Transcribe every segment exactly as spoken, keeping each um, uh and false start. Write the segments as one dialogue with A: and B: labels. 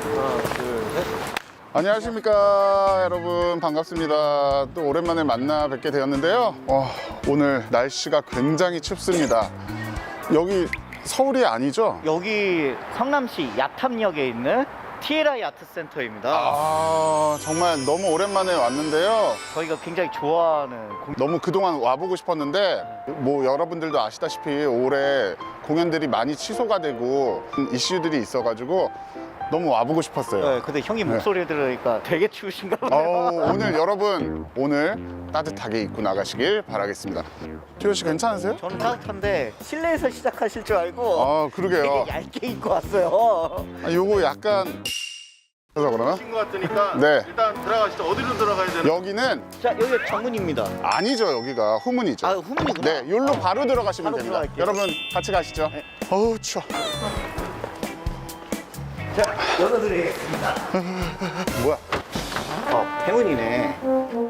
A: 하나, 둘, 셋.
B: 안녕하십니까 여러분, 반갑습니다. 또 오랜만에 만나 뵙게 되었는데요. 어, 오늘 날씨가 굉장히 춥습니다. 여기 서울이 아니죠?
A: 여기 성남시 야탐역에 있는 티엘아이 아트센터입니다.
B: 아, 정말 너무 오랜만에 왔는데요.
A: 저희가 굉장히 좋아하는 공...
B: 너무 그동안 와보고 싶었는데 뭐 여러분들도 아시다시피 올해 공연들이 많이 취소가 되고 이슈들이 있어가지고 너무 와보고 싶었어요.
A: 네, 근데 형님 목소리 들으니까 되게 추우신가 보네요.
B: 어, 오늘 여러분 오늘 따뜻하게 입고 나가시길 바라겠습니다. 티오 씨 괜찮으세요?
A: 저는 따뜻한데 실내에서 시작하실 줄 알고
B: 아, 그러게요.
A: 되게 얇게 입고 왔어요.
B: 아, 요거 약간 그래서 그러나?
C: 것 같으니까
B: 네.
C: 일단 들어가시죠. 어디로 들어가야 되나?
B: 여기는
A: 자, 여기가 정문입니다.
B: 아니죠. 여기가 후문이죠.
A: 아, 후문이구나.
B: 네, 여기로 바로 들어가시면
A: 바로
B: 됩니다.
A: 들어갈게요.
B: 여러분 같이 가시죠.
A: 네.
B: 어우 추워.
A: 자, 열어드리겠습니다.
B: 뭐야?
A: 어, 행운이네.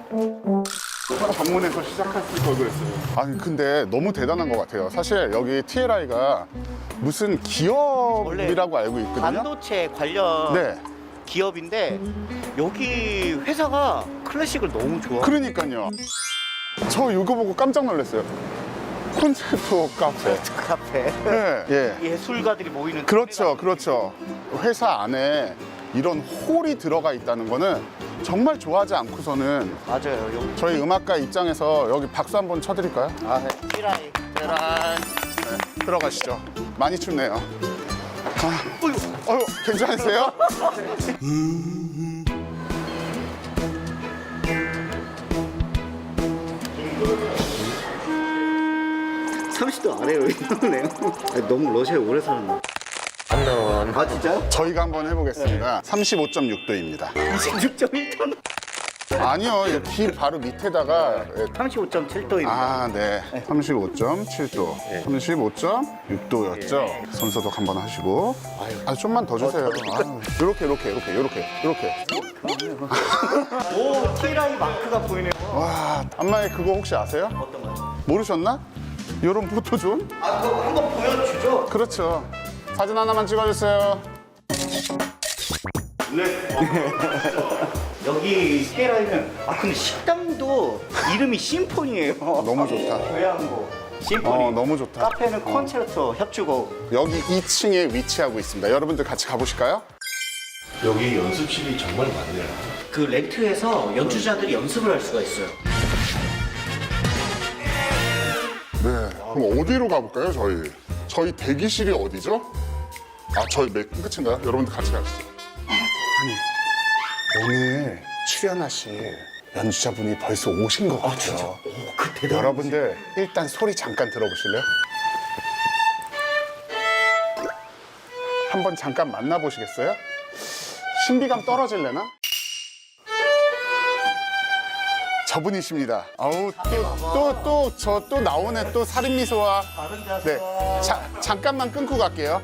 B: 정문에서 시작했을 걸 그랬어요. 아니 근데 너무 대단한 것 같아요. 사실 여기 티엘아이가 무슨 기업이라고 알고 있거든요.
A: 반도체 관련
B: 네.
A: 기업인데 여기 회사가 클래식을 너무 좋아.
B: 그러니까요. 저 이거 보고 깜짝 놀랐어요. 콘서트 카페.
A: 카페.
B: 네. 예.
A: 예술가들이 모이는
B: 그렇죠, 그렇죠. 회사 안에 이런 홀이 들어가 있다는 거는 정말 좋아하지 않고서는
A: 맞아요. 여기.
B: 저희 음악가 입장에서 여기 박수 한번 쳐드릴까요?
A: 아, 네. 티라이. 짜란.
B: 네, 들어가시죠. 많이 춥네요. 아, 어휴, 괜찮으세요?
A: 삼십 도 아래로 이러네요. 너무 러시아에 오래 살았나? 안 나와. 아, 진짜요?
B: 저희가 한번 해보겠습니다. 삼십오 점 육 도입니다.
A: 이십육 점 일 도.
B: 아니요, 여기 바로 밑에다가 예,
A: 삼십오 점 칠 도입니다.
B: 아, 네. 삼십오 점 칠 도, 삼십오 점 육 도였죠. 손소독 한번 하시고. 아, 좀만 더 주세요. 아유, 이렇게, 이렇게, 이렇게, 이렇게, 이렇게.
A: 오, 티라이 마크가 보이네요.
B: 와, 안마에 그거 혹시 아세요?
A: 어떤 거요?
B: 모르셨나? 이런 포토존?
A: 아, 그거 한번 보여주죠.
B: 그렇죠. 사진 하나만 찍어주세요.
A: 여기 티라이는 아 근데 식당도 이름이 심포니예요.
B: 너무 좋다.
A: 교양고 심포니.
B: 어, 너무 좋다.
A: 카페는 콘체르토 협주곡.
B: 여기 이 층에 위치하고 있습니다. 여러분들 같이 가보실까요?
C: 여기 연습실이 정말 많네요.
A: 그 렌트해서 연주자들이 연습을 할 수가 있어요.
B: 네. 그럼 어디로 가볼까요, 저희? 저희 대기실이 어디죠? 아, 저희 맨 끝인가요? 여러분들 같이 가시죠. 아니, 오늘 출연하실 연주자분이 벌써 오신 것 같아요.
A: 오, 그 대단.
B: 여러분들 일단 소리 잠깐 들어보실래요? 한번 잠깐 만나보시겠어요? 신비감 떨어질래나? 저분이십니다. 아우, 또, 또, 또, 저 또 나오네. 또 살인미소와.
A: 다른 자세.
B: 네. 자, 잠깐만 끊고 갈게요.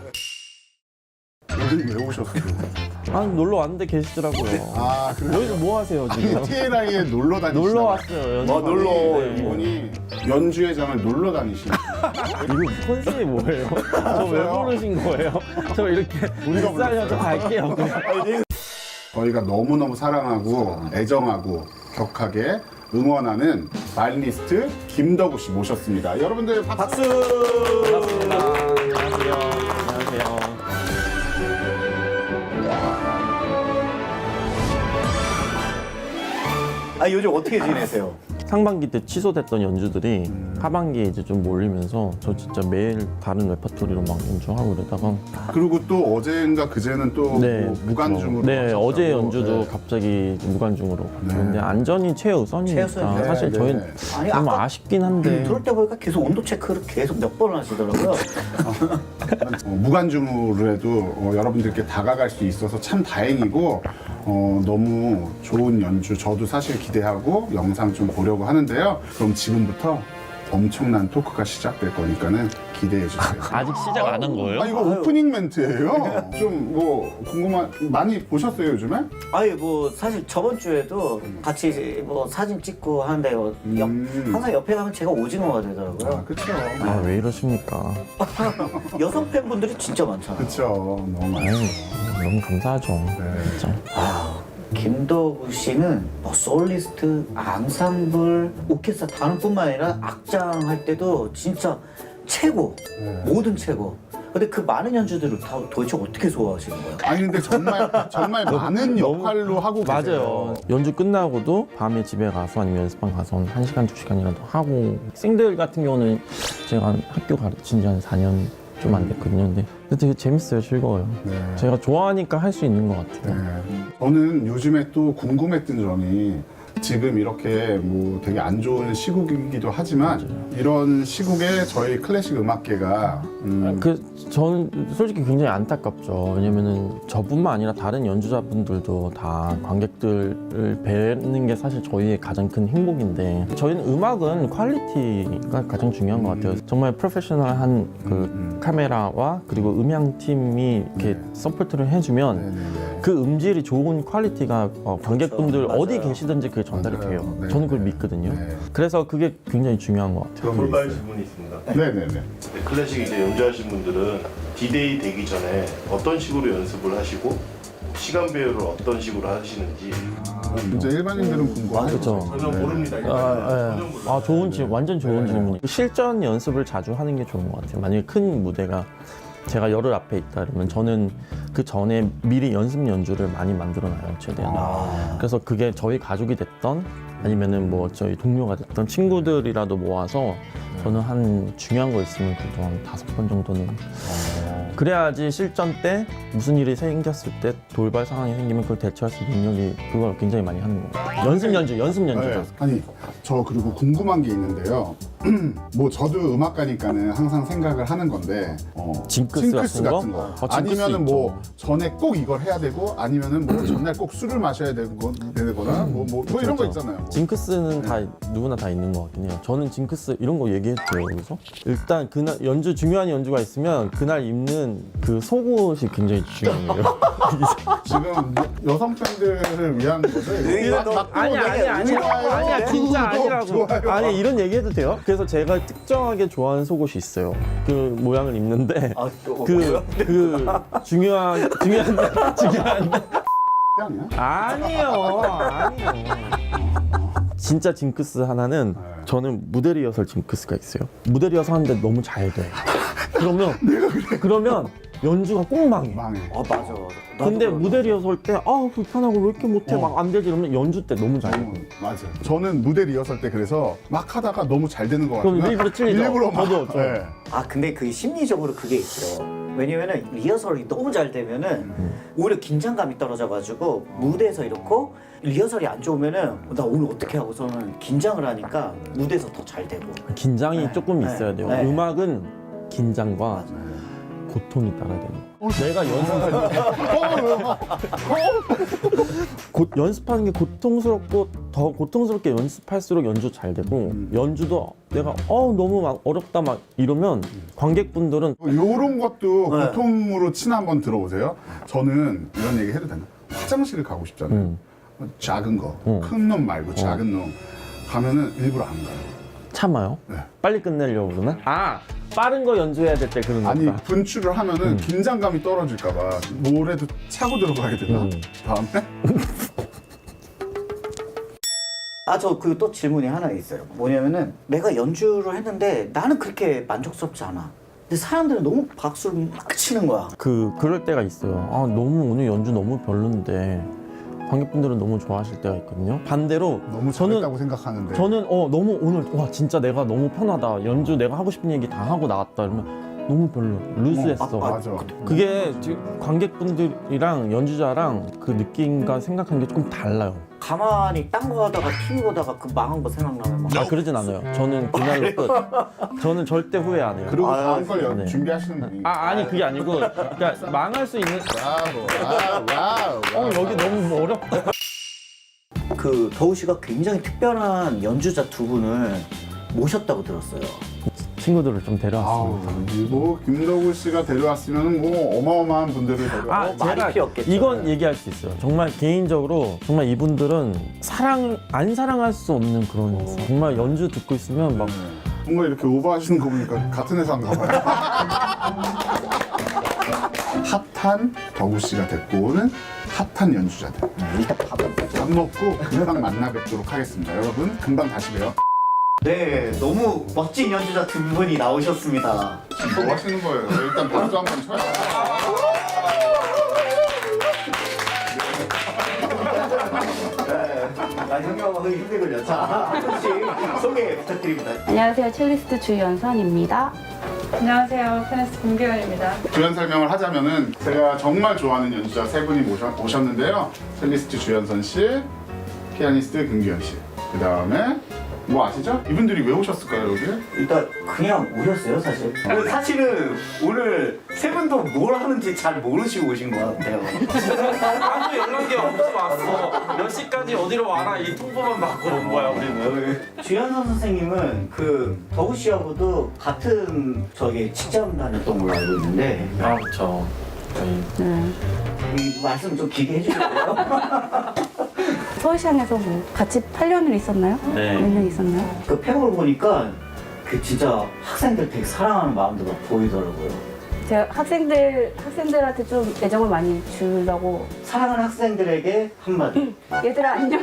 B: 여기 왜 오셨어요?
D: 아니 놀러 왔는데 계시더라고요.
B: 아, 그래요?
D: 여기서 뭐 하세요 지금?
B: 티엘아이에 놀러 다니시나
D: 놀러
B: 봐요.
D: 왔어요. 연습.
B: 어, 놀러.
D: 네.
B: 이분이 연주회 장을 놀러 다니시는.
D: 이거 컨셉이 뭐예요? 저 왜 부르신 거예요? 저 이렇게 불쌍해서 갈게요. 그냥.
B: 저희가 너무너무 사랑하고 애정하고 격하게 응원하는 바이올리니스트 김덕우 씨 모셨습니다. 여러분들 박수!
D: 반갑습니다. 안녕하세요. 안녕하세요.
A: 아 요즘 어떻게 지내세요?
D: 상반기 때 취소됐던 연주들이 하반기에 이제 좀 몰리면서 저 진짜 매일 다른 레퍼토리로 막 연주하고 이러다가
B: 그리고 또 어제인가 그제는 또
D: 네,
B: 뭐 무관중으로
D: 네,
B: 하셨다고.
D: 어제 연주도
B: 네.
D: 갑자기 무관중으로
B: 네.
D: 근데 안전이 최우선이니까
A: 최우선이죠.
D: 사실
B: 네,
D: 저희는
B: 네.
A: 아니,
D: 좀
A: 아까-
D: 아쉽긴 한데
A: 들을 때 보니까 계속 온도 체크를 계속 몇 번을 하시더라고요.
B: 어, 무관중으로 해도 어, 여러분들께 다가갈 수 있어서 참 다행이고 어, 너무 좋은 연주 저도 사실 기대하고 영상 좀 보려고 하는데요. 그럼 지금부터 엄청난 토크가 시작될 거니까는 기대해 주세요.
D: 아직 시작 안 한 거예요?
B: 아 이거 오프닝 멘트예요. 좀 뭐 궁금한 많이 보셨어요 요즘에?
A: 아니 뭐 사실 저번 주에도 같이 뭐 사진 찍고 하는데 옆,
B: 음.
A: 항상 옆에 가면 제가 오징어가 되더라고요.
B: 아 그쵸.
D: 아, 왜 이러십니까?
A: 여성 팬분들이 진짜 많잖아요.
B: 그쵸. 너무 많아요.
D: 아유, 너무 감사하죠.
B: 네.
D: 진짜.
A: 아, 김덕우 씨는 뭐 솔리스트, 앙상블, 오케스트라 단뿐만 아니라 악장 할 때도 진짜 최고,
B: 네.
A: 모든 최고. 근데 그 많은 연주들을 다 도대체 어떻게 소화하시는 거예요?
B: 아니 근데 정말 정말 많은 역할로 하고 계세요.
D: 맞아요. 연주 끝나고도 밤에 집에 가서 아니면 연습방 가서 한 시간, 두 시간이라도 하고 학생들 같은 경우는 제가 한 학교 가르친 지 한 사 년 좀 안 됐거든요. 근데 되게 재밌어요. 즐거워요.
B: 네.
D: 제가 좋아하니까 할 수 있는 것 같아요.
B: 네. 저는 요즘에 또 궁금했던 점이 지금 이렇게 뭐 되게 안 좋은 시국이기도 하지만 이런 시국에 저희 클래식 음악계가 음,
D: 그 저는 솔직히 굉장히 안타깝죠. 왜냐면은 저뿐만 아니라 다른 연주자분들도 다 관객들을 뵈는 게 사실 저희의 가장 큰 행복인데 저희는 음악은 퀄리티가 가장 중요한 것 같아요. 정말 프로페셔널한 그
B: 음.
D: 카메라와 그리고 음향 팀이 이렇게
B: 네.
D: 서포트를 해주면
B: 네네네.
D: 그 음질이 좋은 퀄리티가 어, 관객분들
A: 맞아요.
D: 어디 계시든지 그게 전달이
B: 맞아요.
D: 돼요.
B: 네.
D: 저는 그걸 믿거든요.
B: 네.
D: 그래서 그게 굉장히 중요한 것 같아요.
C: 돌발 질문이 있습니다.
B: 네네네.
C: 네, 클래식 이제 연주하신 분들은 디데이 되기 전에 어떤 식으로 연습을 하시고 시간 배열을 어떤 식으로 하시는지
B: 아, 진짜 일반인들은 궁금하죠.
D: 그렇죠.
C: 전혀 모릅니다. 이거.
D: 아,
C: 전혀
D: 예.
C: 몰라요.
D: 아 좋은 질문, 완전 좋은 질문이. 실전 연습을 자주 하는 게 좋은 것 같아요. 만약에 큰 무대가 제가 열흘 앞에 있다 그러면 저는 그 전에 미리 연습 연주를 많이 만들어놔요, 최대한.
A: 아,
D: 그래서 그게 저희 가족이 됐던 아니면은 뭐 저희 동료가 됐던 친구들이라도 모아서 저는 한 중요한 거 있으면 그래도 한 다섯 번 정도는 그래야지 실전 때 무슨 일이 생겼을 때 돌발 상황이 생기면 그걸 대처할 수 있는 능력이 그걸 굉장히 많이 하는 거예요. 연습 연주, 연습 연주죠.
B: 네. 아니 저 그리고 궁금한 게 있는데요. 뭐 저도 음악가니까는 항상 생각을 하는 건데 어,
D: 징크스 같은 거? 어, 징크스
B: 아니면은 뭐
D: 있죠.
B: 전에 꼭 이걸 해야 되고 아니면은 뭐 전날 꼭 술을 마셔야 되고 되거나 뭐, 뭐, 뭐 이런 거
D: 그렇죠.
B: 있잖아요. 뭐.
D: 징크스는 다 누구나 다 있는 것 같긴 해요. 저는 징크스 이런 거 얘기해도 돼요, 여기서? 일단 그날 연주 중요한 연주가 있으면 그날 입는 그 속옷이 굉장히 중요해요.
B: 지금 여성 팬들을 위한 거죠?
A: 이거
B: 막-
A: 너-
B: 막
D: 아니야
B: 되게
D: 아니야 아니야
B: 좋아요.
D: 아니야 진짜
B: 구독,
D: 아니라고.
B: 좋아요.
D: 아니 이런 얘기해도 돼요? 그래서 제가 특정하게 좋아하는 속옷이 있어요. 그 모양을 입는데
A: 아, 또
D: 그
A: 뭐야?
D: 그 중요한 중요한 중요한
B: 아니야?
D: 아니에요 아니에요. 진짜 징크스 하나는 저는 무대 리허설 징크스가 있어요. 무대 리허설 하는데 너무 잘 돼. 그러면 그러면 연주가 꼭 망해.
B: 망해.
A: 아 맞아 맞아. 나도
D: 근데
A: 그러다.
D: 무대 리허설 때 아 불편하고 왜 이렇게 못해 막 안 되지 이러면 연주 때 너무 잘 돼.
B: 어, 맞아. 저는 무대 리허설 때 그래서 막 하다가 너무 잘 되는 것
D: 그럼
B: 같아요.
D: 일부러 찔리죠?
B: 일부러 막.
D: 저도, 저도.
B: 네.
A: 아 근데 그 심리적으로 그게 있죠. 왜냐면은 리허설이 너무 잘 되면은 오히려 긴장감이 떨어져가지고 무대에서 이렇고 리허설이 안 좋으면은 나 오늘 어떻게 하고서는 긴장을 하니까 무대에서 더 잘 되고.
D: 긴장이
A: 네,
D: 조금
A: 네,
D: 있어야 돼요.
A: 네.
D: 음악은 긴장과 고통이 따라야 돼요. 내가 연습할 때 곧 연습하는 게 고통스럽고 더 고통스럽게 연습할수록 연주 잘 되고 연주도 내가 어 너무 막 어렵다 막 이러면 관객분들은
B: 요런 것도
A: 네.
B: 고통으로 친 한번 들어보세요. 저는 이런 얘기 해도 되나? 화장실을 가고 싶잖아요.
D: 음.
B: 작은 거,
D: 음.
B: 큰 놈 말고 작은 놈 가면은 일부러 안 가요.
D: 참아요.
B: 네.
D: 빨리 끝내려고 그러나? 아 빠른 거 연주해야 될 때 그런
B: 아니
D: 거다.
B: 분출을 하면은 긴장감이 떨어질까봐 뭐라도 차고 들어가야 되나?
D: 음.
B: 다음에?
A: 아 저 그 또 질문이 하나 있어요. 뭐냐면은 내가 연주를 했는데 나는 그렇게 만족스럽지 않아. 근데 사람들은 너무 박수를 막 치는 거야.
D: 그 그럴 때가 있어요. 아 너무 오늘 연주 너무 별론데 관객분들은 너무 좋아하실 때가 있거든요. 반대로
B: 너무
D: 저는
B: 잘했다고 생각하는데
D: 저는 어 너무 오늘 와 진짜 내가 너무 편하다 연주 내가 하고 싶은 얘기 다 하고 나왔다 이러면 너무 별로 루즈했어.
A: 어, 아, 아,
B: 맞아.
D: 그게 지금 관객분들이랑 연주자랑 그 느낌과 생각하는 게 조금 달라요.
A: 가만히 딴 거 하다가 티비 보다가 그 망한 거 생각나면 막
D: 아 그러진 않아요. 저는 그날로 끝. 저는 절대 후회 안 해요.
B: 그리고
A: 아,
B: 다음 걸 연-
D: 네.
B: 준비하시는 분이
D: 아 아니 그게 아니고 그러니까 망할 수 있는
B: 와우 와우 와우
D: 어 여기 너무 어렵다.
A: 그 더우 씨가 굉장히 특별한 연주자 두 분을 모셨다고 들었어요.
D: 친구들을 좀
B: 아우,
D: 데려왔습니다.
B: 그리고 김덕우 씨가 데려왔으면 뭐 어마어마한 분들을 데려와.
D: 아,
A: 어, 말이
D: 제가
A: 필요 없겠죠.
D: 이건 얘기할 수 있어요. 정말 개인적으로 정말 이분들은 사랑 안 사랑할 수 없는 그런 정말 연주 듣고 있으면 막
B: 뭔가 이렇게 오버하시는 거 보니까 같은 회사인가 봐요. 핫한 덕우 씨가 데리고 오는 핫한 연주자들.
A: 일단 밥은
B: 밥 먹고 금방 만나 뵙도록 하겠습니다. 여러분 금방 다시 봬요.
A: 네, 너무 멋진 연주자 두 분이 나오셨습니다.
B: 지금 뭐 하시는 거예요? 일단 박수 한번 쳐요.
A: 아, 형님하고 힘들군요. 자, 한 분씩 소개 부탁드립니다.
E: 안녕하세요. 첼리스트 주연선입니다.
F: 안녕하세요. 테니스 김규현입니다.
B: 주연 설명을 하자면은 제가 정말 좋아하는 연주자 세 분이 모셔, 오셨는데요. 첼리스트 주연선 씨, 피아니스트 김규현 씨. 그 다음에 뭐 아시죠? 이분들이 왜 오셨을까요 여기?
A: 일단 그냥 오셨어요, 사실. 근데 사실은 오늘 세 분도 뭘 하는지 잘 모르시고 오신 것 같아요.
G: 아무 연락이 없어 왔어. 몇 시까지 어디로 와라 이 통보만 받고 온 거야 우리는.
A: 주현선 선생님은 그 덕우 씨하고도 같은 저기 직장 다녔던 걸로 알고 있는데
G: 아 그렇죠. 저희
E: 네.
A: 이 말씀 좀 길게 해주실래요?
E: 서울시장에서 뭐 같이 팔 년을 있었나요?
G: 네.
E: 몇 년 있었나요?
A: 그 팩을 보니까 그 진짜 학생들 되게 사랑하는 마음도 막 보이더라고요.
E: 제가 학생들 학생들한테 좀 애정을 많이 주려고
A: 사랑하는 학생들에게 한마디.
E: 얘들아 안녕.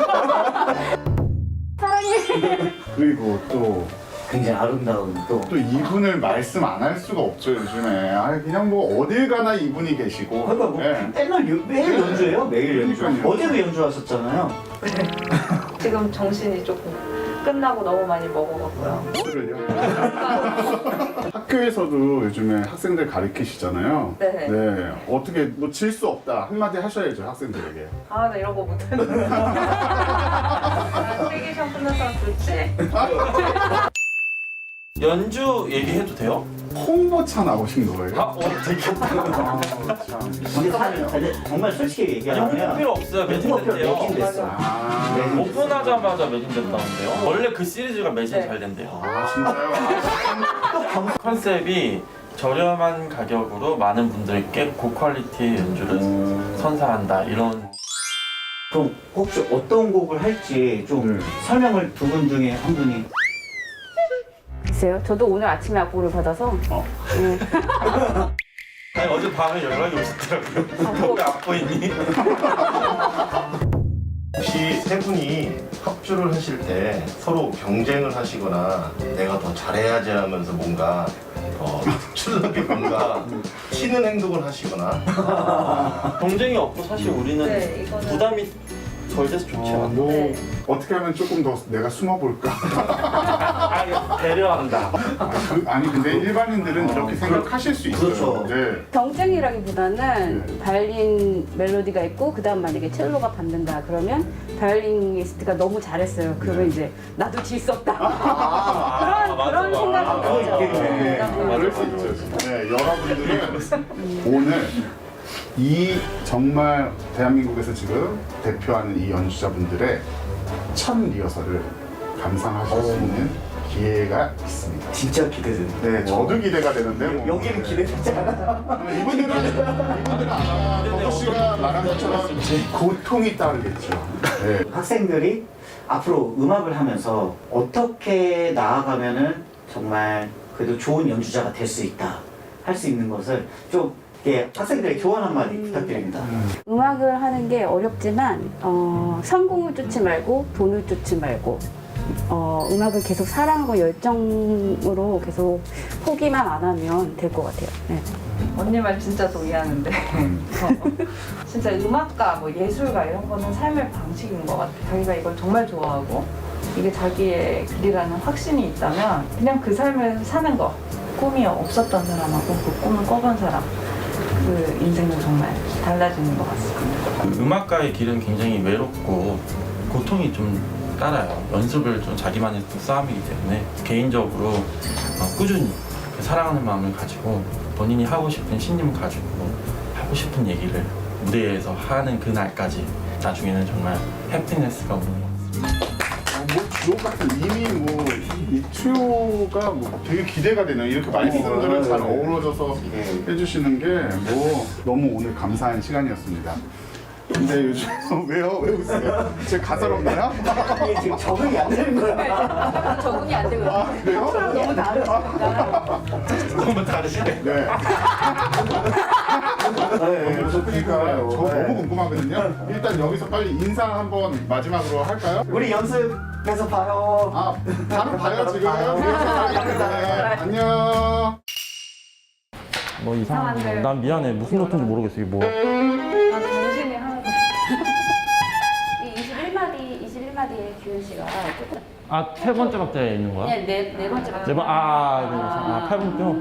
E: 사랑해.
B: 그리고 또
A: 굉장히 아름다운 또.
B: 또 이분을 말씀 안 할 수가 없죠 요즘에. 아 그냥 뭐 어딜 가나 이분이 계시고.
A: 그러니까 뭐
B: 네.
A: 맨날 연- 매일 연주해요? 매일 연주.
B: 그러니까요.
A: 어제도 연주하셨잖아요.
F: 지금 정신이 조금 끝나고 너무 많이 먹어갖고요.
B: 술을요? 학교에서도 요즘에 학생들 가르치시잖아요.
F: 네.
B: 네. 어떻게 뭐 질 수 없다 한마디 하셔야죠 학생들에게.
F: 아, 나 이런 거 못하는데. 아, 세계시험 끝나서 좋지?
G: 연주 얘기해도 돼요?
B: 홍보차 나오신 거예요?
G: 아 어, 되게
B: 아, 참.
A: 근데 사실 근데 정말 솔직히
G: 아니 홍보
A: 얘기하면
G: 필요 없어요.
A: 홍보 필요
G: 매진됐대요.
A: 매진됐어.
B: 아,
A: 네.
G: 오픈하자마자 매진됐다는데요. 원래 그 시리즈가 매진
F: 네.
G: 잘 된대요.
B: 아 진짜요?
G: 컨셉이 저렴한 가격으로 많은 분들께 고퀄리티의 연주를 선사한다 이런.
A: 그럼 혹시 어떤 곡을 할지 좀
B: 네.
A: 설명을 두 분 중에 한 분이.
E: 글쎄요. 저도 오늘 아침에 악보를 받아서
B: 어.
E: 네.
G: 아니 어제 밤에 연락이 오셨더라고요. 왜 안 보이니?
C: 혹시 세 분이 합주를 하실 때 서로 경쟁을 하시거나 내가 더 잘해야지 하면서 뭔가 더 특출나게 뭔가 튀는 행동을 하시거나
G: 경쟁이 없고 사실 우리는
F: 네, 이거는.
G: 부담이 덜 돼서 좋죠.
B: 어, 뭐
F: 네.
B: 어떻게 하면 조금 더 내가 숨어볼까?
G: 아, 배려한다.
B: 아, 그, 아니 근데 일반인들은 이렇게 생각하실 수 있어요.
A: 그렇죠.
B: 네.
E: 경쟁이라기보다는
B: 네.
E: 바이올린 멜로디가 있고 그다음 만약에 첼로가 받는다 그러면 바이올리니스트가 너무 잘했어요. 그러면 이제 나도 질 수 없다. 그런
G: 맞아,
E: 그런
G: 맞아.
E: 생각이
G: 아,
E: 들죠.
A: 그거 있겠네.
E: 네.
B: 그럴 수 있죠. 네, 여러분들은 오늘 이 정말 대한민국에서 지금 대표하는 이 연주자분들의 첫 리허설을 감상하실 수 있는 기회가 있습니다.
A: 진짜 기대된다.
B: 네, 저도 기대가 되는데 뭐.
A: 여기는 기대되지 않아.
B: 이분들은 이분들은 아마 덕우 씨가 말한 것처럼 고통이 따르겠죠. 네.
A: 학생들이 앞으로 음악을 하면서 어떻게 나아가면은 정말 그래도 좋은 연주자가 될 수 있다 할 수 있는 것을 좀 예, 학생들의 교환 한마디 부탁드립니다.
E: 음악을 하는 게 어렵지만 어, 성공을 쫓지 말고 돈을 쫓지 말고 어, 음악을 계속 사랑하고 열정으로 계속 포기만 안 하면 될 것 같아요. 네.
F: 언니 말 진짜 동의하는데. 어, 진짜 음악가, 뭐 예술가 이런 거는 삶의 방식인 것 같아. 자기가 이걸 정말 좋아하고 이게 자기의 길이라는 확신이 있다면 그냥 그 삶을 사는 거. 꿈이 없었던 사람하고 그 꿈을 꿔본 사람. 그 인생은 정말 달라지는 것 같습니다.
G: 그 음악가의 길은 굉장히 외롭고 고통이 좀 따라요. 연습을 좀 자기만의 또 싸움이기 때문에 개인적으로 어, 꾸준히 그 사랑하는 마음을 가지고 본인이 하고 싶은 신념을 가지고 하고 싶은 얘기를 무대에서 하는 그날까지 나중에는 정말 해피니스가 오는 것 같습니다.
A: 뭐
B: 주옥 같은 이미 뭐이 트요가 뭐 되게 기대가 되네요. 이렇게 말씀들을 잘 어우러져서 해주시는 게 뭐 너무 오늘 감사한 시간이었습니다. 근데 요즘 왜요? 왜 웃으세요? 제가 가설없나요?
A: 이게 지금 적응이 안 되는 거야.
E: 적응이 안 되고
B: 아, 그래요?
E: 너무 다르니까.
C: 너무 다르시네.
B: 네.
A: 네,
B: 그러니까 저
A: 네.
B: 너무 궁금하거든요. 일단 여기서 빨리 인사 한번 마지막으로 할까요?
A: 우리 연습해서 봐요.
B: 아, 바로 봐요 지금.
A: 봐요.
B: 네, 안녕.
D: 뭐 이상한
F: 이상한데.
D: 난 미안해. 무슨 노트인지 모르겠어. 이게 뭐야.
F: 난 정신이 하나도
E: 이 이십일 마디 이십일 마디의 규현 씨가 조금
D: 아, 세 번째 박자에 있는 거야?
E: 그냥 네, 네 번째
D: 네 번, 아, 아, 아, 아, 팔 분표?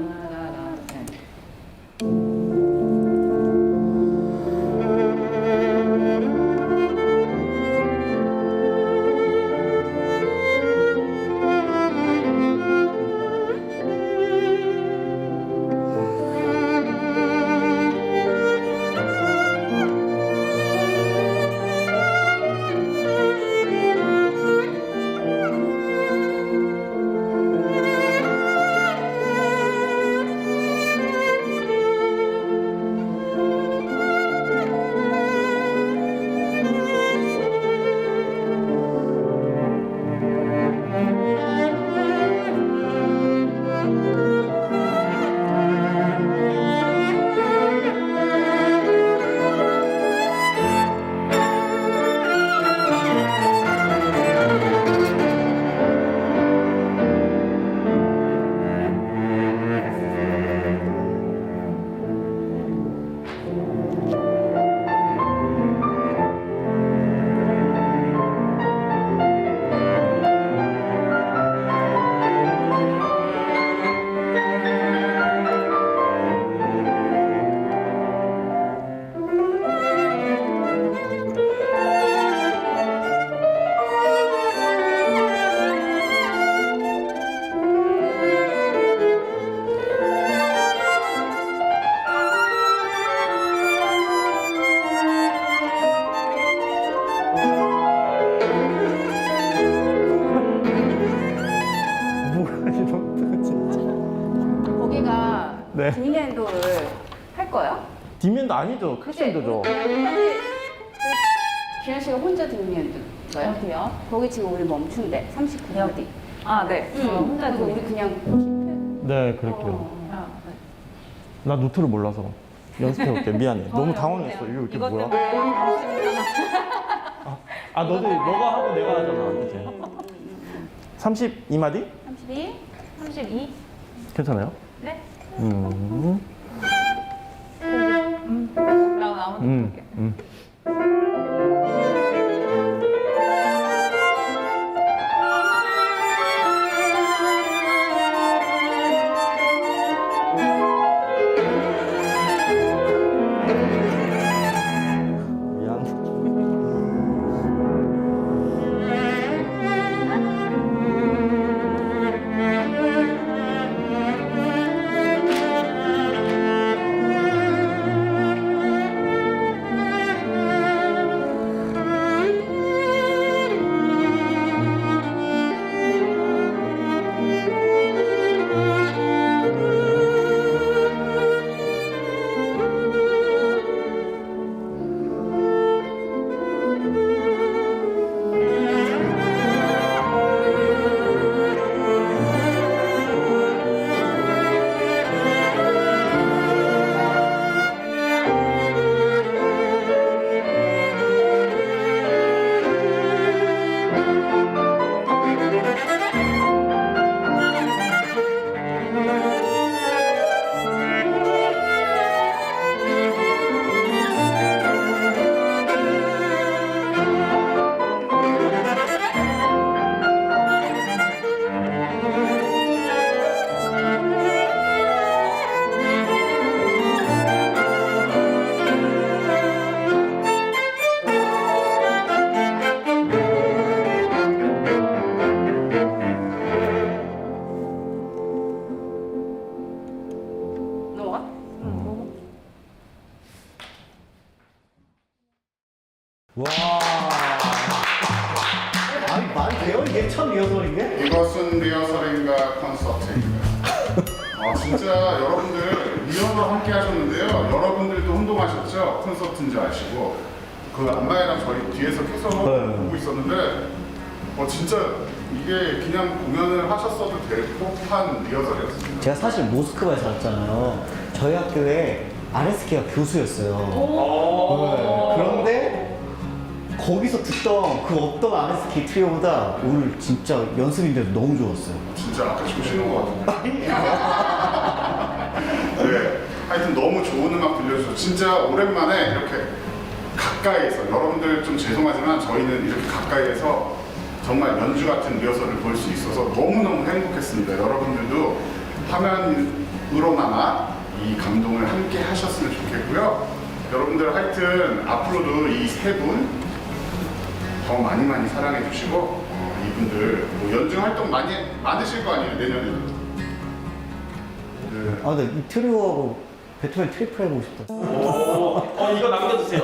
E: 거기가
D: 네.
E: 뒷엔도를 할 거예요?
D: 뒷면도 아니죠. 크리스텐도죠.
E: 규현 씨가 혼자 뒷엔도인가요?
F: 어디요?
E: 거기 지금 우리 멈춘대 삼십구 마디.
F: 아, 네. 저 혼자
E: 그리고 우리
F: 들리
E: 그냥
D: 네, 그럴게요. 나 노트를 몰라서 연습해볼게. 미안해. 너무 당황했어. 이거 이렇게
F: 이것
D: 뭐야?
F: 때문에 당신이잖아.
D: 아, 너도 너가 하고 내가 하잖아. 그치? 삼십이 마디?
E: 삼십이?
F: 삼십이?
D: 괜찮아요?
F: 네?
D: 음,
F: 라고 나오는
D: 음,
F: 게.
D: 음. 미안.
E: 넘어가?
D: 와.
A: 아니, 말이 돼요? 이게 첫 리허설인데?
B: 이것은 리허설인가 콘서트인가. 아 진짜 여러분들 리허설 함께 하셨는데요. 여러분들도 혼동하셨죠? 콘서트인 줄 아시고 그 안마이랑 저희 뒤에서 계속
A: 네.
B: 보고 있었는데 어 진짜 이게 그냥 공연을 하셨어도 될 법한 리허설이었습니다.
A: 제가 사실 모스크바에 살았잖아요. 저희 학교에 아레스키가 교수였어요. 네. 그런데 거기서 듣던 그 어떤 아레스키 트리오보다 오늘 진짜 연습인데도 너무 좋았어요.
B: 진짜 아까 조시는 것 같은데. 네. 하여튼 너무 좋은 음악 들려주셔서 진짜 오랜만에 이렇게 가까이에서 여러분들 좀 죄송하지만 저희는 이렇게 가까이에서 정말 연주 같은 리허설을 볼 수 있어서 너무너무 행복했습니다. 여러분들도 화면으로나마 이 감동을 함께 하셨으면 좋겠고요. 여러분들 하여튼 앞으로도 이 세 분 더 많이 많이 사랑해 주시고 어, 이분들 뭐 연주 활동 많이 많으실 거 아니에요 내년에도. 네.
A: 아, 근데 이 트리오하고 베토벤 트리플 해보고 싶다.
G: 어, 이거 남겨주세요.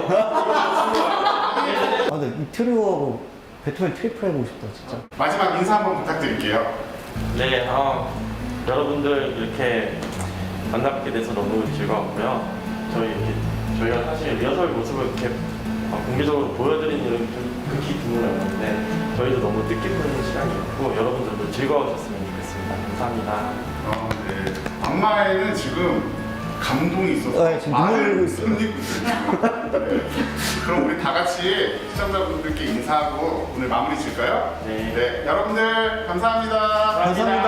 A: 아, 근데 이 트리오하고 베토벤 트리플 해보고 싶다, 진짜.
B: 마지막 인사 한번 부탁드릴게요.
G: 네, 어, 여러분들 이렇게 만나뵙게 돼서 너무 즐거웠고요. 저희 이렇게 저희가 사실 리허설 모습을 이렇게 어, 공개적으로 보여드리는 일은 좀 극히 드물었는데 저희도 너무 뜻깊은 시간이었고 여러분들도 즐거우셨으면 좋겠습니다. 감사합니다.
B: 어, 네. 안마에는 지금 감동이 있어서
A: 네, 지금 눈물 흘리고 있어요.
B: 흘리고 있어요. 네. 그럼 우리 다 같이 시청자분들께 인사하고 오늘 마무리 질까요?
G: 네.
B: 네, 여러분들 감사합니다.
A: 감사합니다.